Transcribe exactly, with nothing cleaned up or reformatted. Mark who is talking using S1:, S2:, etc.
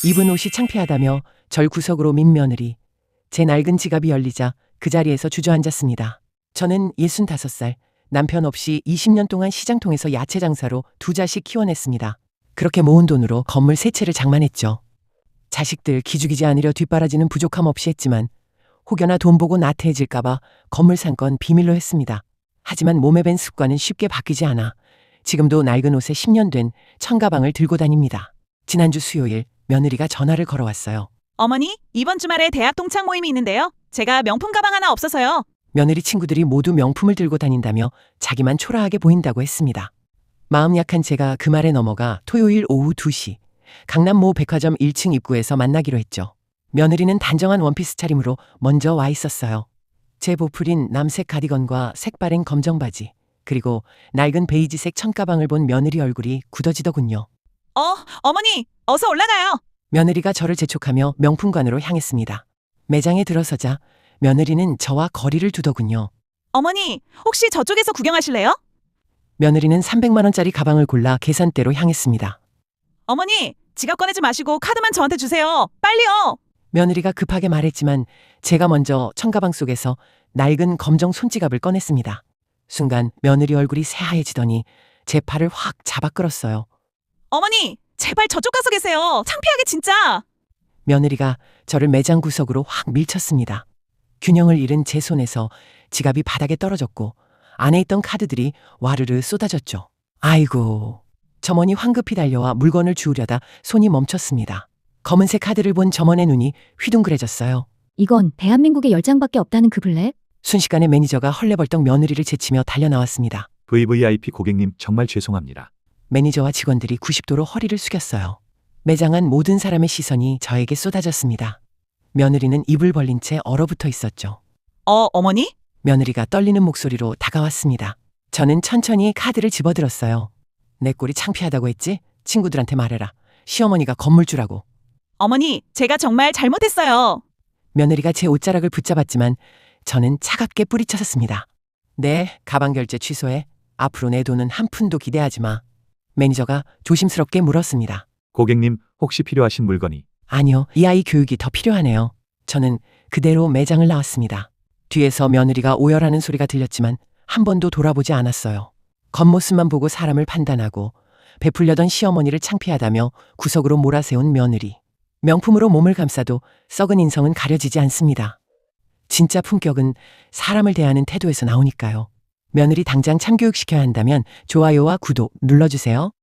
S1: 입은 옷이 창피하다며 절 구석으로 민 며느리. 제 낡은 지갑이 열리자 그 자리에서 주저앉았습니다. 저는 예순다섯 살, 남편 없이 이십 년 동안 시장통에서 야채 장사로 두 자식 키워냈습니다. 그렇게 모은 돈으로 건물 세 채를 장만했죠. 자식들 기죽이지 않으려 뒷바라지는 부족함 없이 했지만 혹여나 돈 보고 나태해질까봐 건물 산 건 비밀로 했습니다. 하지만 몸에 밴 습관은 쉽게 바뀌지 않아 지금도 낡은 옷에 십 년 된 청가방을 들고 다닙니다. 지난주 수요일 며느리가 전화를 걸어왔어요.
S2: 어머니, 이번 주말에 대학 동창 모임이 있는데요. 제가 명품 가방 하나 없어서요.
S1: 며느리 친구들이 모두 명품을 들고 다닌다며 자기만 초라하게 보인다고 했습니다. 마음 약한 제가 그 말에 넘어가 토요일 오후 두 시 강남 모 백화점 일 층 입구에서 만나기로 했죠. 며느리는 단정한 원피스 차림으로 먼저 와 있었어요. 제 보풀인 남색 가디건과 색바랜 검정 바지, 그리고 낡은 베이지색 청가방을 본 며느리 얼굴이 굳어지더군요.
S2: 어, 어머니, 어서 올라가요.
S1: 며느리가 저를 재촉하며 명품관으로 향했습니다. 매장에 들어서자 며느리는 저와 거리를 두더군요.
S2: 어머니, 혹시 저쪽에서 구경하실래요?
S1: 며느리는 삼백만 원짜리 가방을 골라 계산대로 향했습니다.
S2: 어머니, 지갑 꺼내지 마시고 카드만 저한테 주세요. 빨리요.
S1: 며느리가 급하게 말했지만 제가 먼저 청가방 속에서 낡은 검정 손지갑을 꺼냈습니다. 순간 며느리 얼굴이 새하얘지더니 제 팔을 확 잡아 끌었어요.
S2: 어머니, 제발 저쪽 가서 계세요. 창피하게 진짜.
S1: 며느리가 저를 매장 구석으로 확 밀쳤습니다. 균형을 잃은 제 손에서 지갑이 바닥에 떨어졌고 안에 있던 카드들이 와르르 쏟아졌죠. 아이고. 점원이 황급히 달려와 물건을 주우려다 손이 멈췄습니다. 검은색 카드를 본 점원의 눈이 휘둥그레졌어요.
S3: 이건 대한민국에 열 장밖에 없다는 그 블랙?
S1: 순식간에 매니저가 헐레벌떡 며느리를 제치며 달려나왔습니다.
S4: 브이브이아이피 고객님 정말 죄송합니다.
S1: 매니저와 직원들이 구십 도로 허리를 숙였어요. 매장 안 모든 사람의 시선이 저에게 쏟아졌습니다. 며느리는 입을 벌린 채 얼어붙어 있었죠.
S2: 어, 어머니?
S1: 며느리가 떨리는 목소리로 다가왔습니다. 저는 천천히 카드를 집어들었어요. 내 꼴이 창피하다고 했지? 친구들한테 말해라. 시어머니가 건물주라고.
S2: 어머니, 제가 정말 잘못했어요.
S1: 며느리가 제 옷자락을 붙잡았지만 저는 차갑게 뿌리쳤습니다. 네, 가방 결제 취소해. 앞으로 내 돈은 한 푼도 기대하지 마. 매니저가 조심스럽게 물었습니다.
S4: 고객님 혹시 필요하신 물건이?
S1: 아니요, 이 아이 교육이 더 필요하네요. 저는 그대로 매장을 나왔습니다. 뒤에서 며느리가 오열하는 소리가 들렸지만 한 번도 돌아보지 않았어요. 겉모습만 보고 사람을 판단하고 베풀려던 시어머니를 창피하다며 구석으로 몰아세운 며느리. 명품으로 몸을 감싸도 썩은 인성은 가려지지 않습니다. 진짜 품격은 사람을 대하는 태도에서 나오니까요. 며느리 당장 참교육시켜야 한다면 좋아요와 구독 눌러주세요.